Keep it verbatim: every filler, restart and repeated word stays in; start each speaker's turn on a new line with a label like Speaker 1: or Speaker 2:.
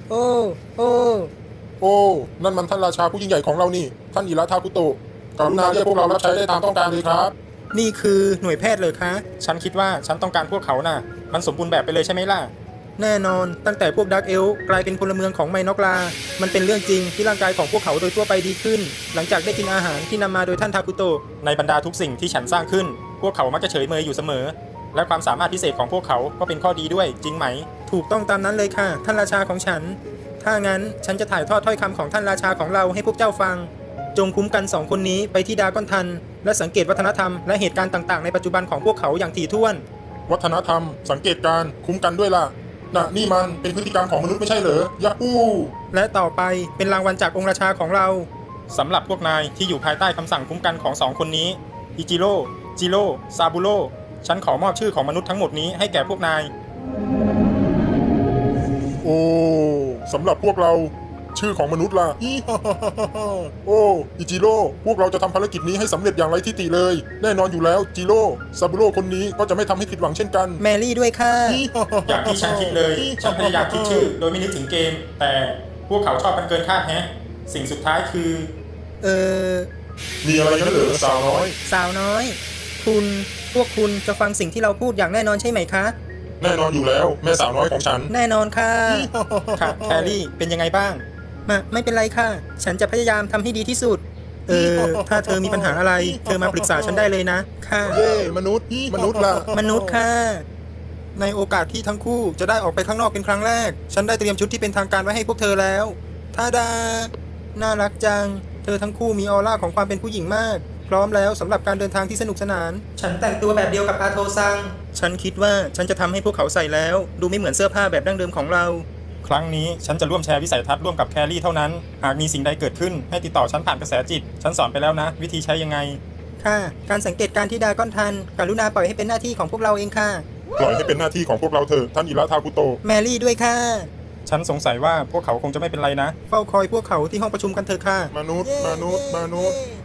Speaker 1: โอ้โอ้
Speaker 2: โอ้นั่นมันท่านราชาผู้ยิ่งใหญ่ของเรานี่ท่านอิระทาคุโตะกรุณาเรียกพวกเรารับใช้ได้ตามต้องการเลยครับ
Speaker 1: นี่คือหน่วยแพทย์เลยคะ
Speaker 3: ฉันคิดว่าฉันต้องการพวกเขาน่ะ มันสมบูรณ์แบบไปเลยใช่ไหมล่ะ
Speaker 1: แน่นอนตั้งแต่พวกดักเอลกลายเป็นพลเมืองของไมนอกลา มันเป็นเรื่องจริงที่ร่างกายของพวกเขาโดยทั่วไปดีขึ้น หลังจากได้กินอาหารที่นำมาโดยท่านทาคุโตะ
Speaker 3: ในบรรดาทุกสิ่งที่ฉันสร้างขึ้น พวกเขามักจะเฉยเมยอยู่เสมอ และความสามารถพิเศษของพวกเขาก็เป็นข้อดีด้วยจริงไหม
Speaker 1: ถูกต้องตามนั้นเลยค่ะท่านราชาของฉัน ถ้างั้นฉันจะถ่ายทอดถ้อยคำของท่านราชาของเราให้พวกเจ้าฟัง จงคุ้มกันสองคนนี้ไปที่ดากอนทัน และสังเกตวัฒนธรรมและเหตุการณ์ต่างๆในปัจจุบันของพวกเขาอย่างถี่ถ้วน
Speaker 2: วัฒนธรรม สังเกตการณ์คุ้มกันด้วยล่ะน่ะนี่มันเป็นพฤติกรรมของมนุษย์ไม่ใช่เหรอยาฮู
Speaker 1: และต่อไปเป็นรางวัลจากองค์ราชาของเรา
Speaker 3: สำหรับพวกนายที่อยู่ภายใต้คำสั่งคุ้มกันของสองคนนี้ อิจิโร่ จิโร่ ซาบุโร่ ฉันขอมอบชื่อของมนุษย์ทั้งหมดนี้ให้แก่พวกนาย
Speaker 2: โอ้สำหรับพวกเราชื่อของมนุษย์ล่ะอีฮ่าฮ่าฮ่าฮ่าโอ้อิจิโร่พวกเราจะทำภารกิจนี้ให้สำเร็จอย่างไรทิฏฐิเลย แน่นอนอยู่แล้วจิโร่ซาบุโร่คนนี้ก็จะไม่ทำให้ผิดหวังเช่นกัน
Speaker 1: แมรี่ด้วยค่ะ
Speaker 2: อีฮ่าฮ่า
Speaker 3: อย่างที่ฉันคิดเลย ฉันพยายามคิดชื่อ โดยไม่นึกถึงเกม แต่พวกเขาชอบกันเกินคาดแฮะ สิ่งสุดท้ายคือ
Speaker 1: เออ
Speaker 2: มีอะไรกันเหรอสาวน้อย
Speaker 1: สาวน้อย คุณ พวกคุณจะฟังสิ่งที่เราพูดอย่างแน่นอนใช่ไหมคะ
Speaker 2: แน่นอนอยู่แล้วแม่สาวน้อยของฉัน
Speaker 1: แน่นอนค่ะ
Speaker 3: ค่ะแครี่ เป็นยังไงบ้าง
Speaker 1: มาไม่เป็นไรค่ะ ฉันจะพยายามทำให้ดีที่สุด เออ ถ้าเธอมีปัญหาอะไร เธอมาปรึกษาฉันได้เลยนะ ค่ะ
Speaker 2: เย่มนุษย์มนุษย์ล่ะ
Speaker 1: มนุษย์ค่ะ
Speaker 3: ในโอกาสที่ทั้งคู่จะได้ออกไปข้างนอกเป็นครั้งแรก ฉันได้เตรียมชุดที่เป็นทางการไว้ให้พวกเธอแล้ว
Speaker 1: ทาดา น่ารักจัง เธอทั้งคู่มีออร่าของความเป็นผู้หญิงมาก พร้อมแล้วสำหรับการเดินทางที่สนุกสนาน ฉันแต่งตัวแบบเดียวกับอาโทซัง ฉันคิดว่าฉันจะทำให้พวกเขาใส่แล้ว ดูไม่เหมือนเสื้อผ้าแบบดั้งเดิมของเรา
Speaker 3: ครั้งนี้ฉันจะร่วมแชร์วิสัยทัศน์ร่วมกับแครี่เท่านั้น หากมีสิ่งใดเกิดขึ้นให้ติดต่อฉันผ่านกระแสจิต ฉันสอนไปแล้วนะ วิธีใช้ยังไง
Speaker 1: ค่ะ การสังเกตการที่ดาก้อนทันกรุณาปล่อยให้เป็นหน้าที่ของพวกเราเองค่ะ
Speaker 2: ปล่อยให้เป็นหน้าที่ของพวกเราเถอะท่านอิระทาคุโตะ
Speaker 1: แมรี่ด้วยค่ะ
Speaker 3: ฉันสงสัยว่าพวกเขาคงจะไม่เป็นไรนะ
Speaker 1: เฝ้าคอยพวกเขาที่ห้องประชุมกันเถอะค่ะ
Speaker 2: มนุษย์ มนุษย์ มนุษย์